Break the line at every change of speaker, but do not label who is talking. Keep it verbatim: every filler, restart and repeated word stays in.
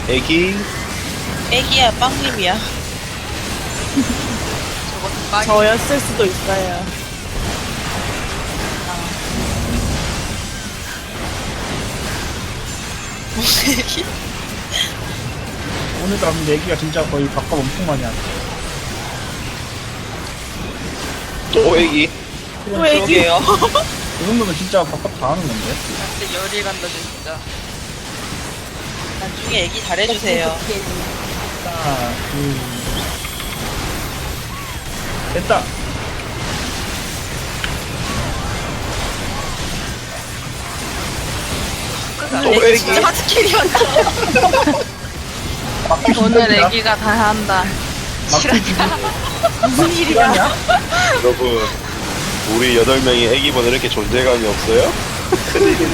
애기.
애기야, 빵님이야.
저것도 빵이.
저였을 수도 있어요.
무슨 애기?
오늘 가면 얘기가 진짜 거의 밥값 엄청 많이 하네.
또 애기.
또 애기?
그러게요.
그 정도면 진짜 밥값 다 하는 건데.
진짜 열이 간다 진짜.
나중에 애기 잘해주세요.
하나, 둘. 됐다.
또 애기.
진짜 하드캐리한다.
막기
오늘
힘들다.
애기가 다 한다.
막기 지금
무슨 일이야?
여러분, 우리 여덟 명이 애기보다 이렇게 존재감이 없어요?